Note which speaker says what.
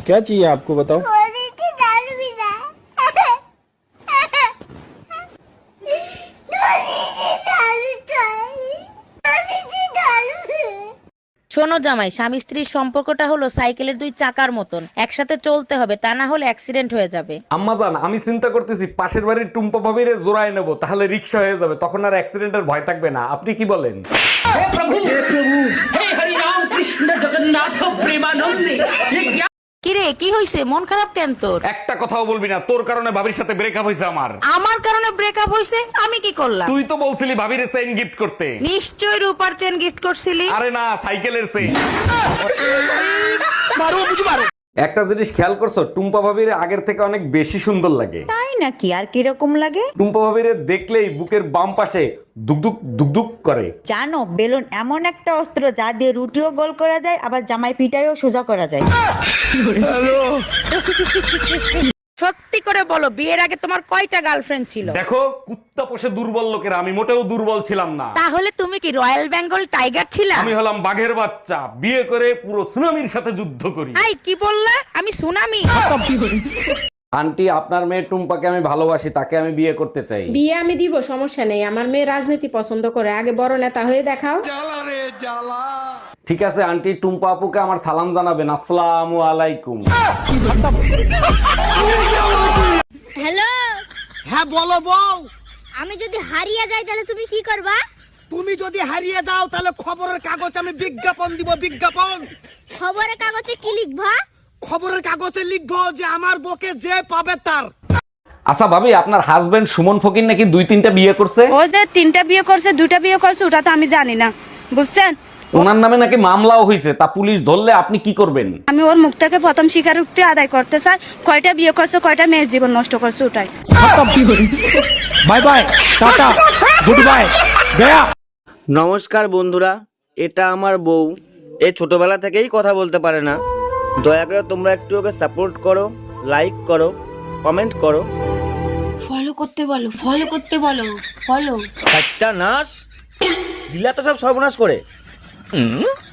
Speaker 1: क्या चाहिए आपको बताओ।
Speaker 2: শোনো জামাই, স্বামী স্ত্রীর সম্পর্কটা হলো সাইকেলের দুই চাকার মতন, একসাথে চলতে হবে, তা না হলে অ্যাক্সিডেন্ট হয়ে যাবে।
Speaker 3: আম্মাজান, আমি চিন্তা করতেছি পাশের বাড়ির টুম্পা ভাবিরে জোড়ায় নেবো, তাহলে রিক্সা হয়ে যাবে, তখন আর অ্যাক্সিডেন্টের ভয় থাকবে না। আপনি কি বলেন?
Speaker 2: কিরে, কি হইছে? মন খারাপ কেন তোর?
Speaker 3: একটা কথাও বলবি না, তোর কারণে ভাবির সাথে ব্রেকআপ হয়েছে আমার।
Speaker 2: আমার কারণে ব্রেকআপ হইছে? আমি কি করলাম?
Speaker 3: তুই তো বলছিলি ভাবিরে চেইন গিফট করতে।
Speaker 2: নিশ্চয় রূপার চেন গিফট করছিলি।
Speaker 3: আরে না, সাইকেলের চেইন। একটা জিনিস খেয়াল করছো, টুম্পা ভাবির আগের থেকে অনেক বেশি সুন্দর লাগে।
Speaker 4: তাই নাকি? আর কিরকম লাগে?
Speaker 3: টুম্পা ভাবিরে দেখলেই বুকের বাম পাশে দুকদুক দুকদুক করে।
Speaker 4: জানো, বেলুন এমন একটা অস্ত্র যা দিয়ে রুটিও গোল করা যায়, আবার জামাই পিটাইও সোজা করা যায়।
Speaker 2: সত্যি করে বলো, বিয়ের আগে তোমার কয়টা গার্লফ্রেন্ড ছিল?
Speaker 3: দেখো, কুত্তা পোষে দুর্বল লোকেরা, আমি মোটেও দুর্বল ছিলাম না।
Speaker 2: তাহলে তুমি কি রয়্যাল বেঙ্গল টাইগার ছিলা?
Speaker 3: আমি হলাম বাঘের বাচ্চা, বিয়ে করে পুরো সুনামির সাথে যুদ্ধ করি।
Speaker 2: আই কি বললা? আমি সুনামি?
Speaker 3: আন্টি, আপনার মেয়ে টুম্পাকে আমি ভালোবাসি, তাকে আমি বিয়ে করতে চাই।
Speaker 5: বিয়ে আমি দিব, সমস্যা নেই। আমার মেয়ে রাজনীতি পছন্দ করে, আগে বড় নেতা হয়ে দেখাও।
Speaker 3: ঠিক আছে আন্টি, টুম্পা আপুকে আমার সালাম জানাবেন। আসসালামু আলাইকুম।
Speaker 6: হ্যালো।
Speaker 7: হ্যাঁ বলো বউ।
Speaker 6: আমি যদি হারিয়ে যাই তাহলে তুমি কি করবা?
Speaker 7: তুমি যদি হারিয়ে যাও তাহলে খবরের কাগজ আমি বিজ্ঞাপন দিব, বিজ্ঞাপন।
Speaker 6: খবরের কাগজে কি লিখবা?
Speaker 7: খবরের কাগজে লিখবো যে আমার বকে যে পাবে তার।
Speaker 3: আচ্ছা ভাবি, আপনার হাজবেন্ড সুমন ফকির নাকি 2-3টা বিয়ে করছে?
Speaker 8: ও যে 3টা বিয়ে করছে, 2টা বিয়ে করছে, ওটা তো আমি জানি না, বুঝছেন?
Speaker 3: ওনার নামে নাকি মামলাও হয়েছে, তা পুলিশ ধরলে আপনি কি করবেন?
Speaker 8: আমি ওর মুখ থেকে প্রথম স্বীকারোক্তি আদায় করতে চাই, কয়টা বিয়ে করছে, কয়টা মেয়ের জীবন নষ্ট করছে, ওটাই।
Speaker 1: Bye bye, tata, good bye, गया।
Speaker 9: নমস্কার বন্ধুরা, এটা আমার বউ। এ ছোটবেলা থেকেই কথা বলতে পারে না। দয়া করে তোমরা একটু ওকে সাপোর্ট করো, লাইক করো, কমেন্ট করো।
Speaker 10: ফলো করতে বলো, ফলো করতে বলো, ফলো।
Speaker 9: একটা নাশ দিলা তো সব সর্বনাশ করে।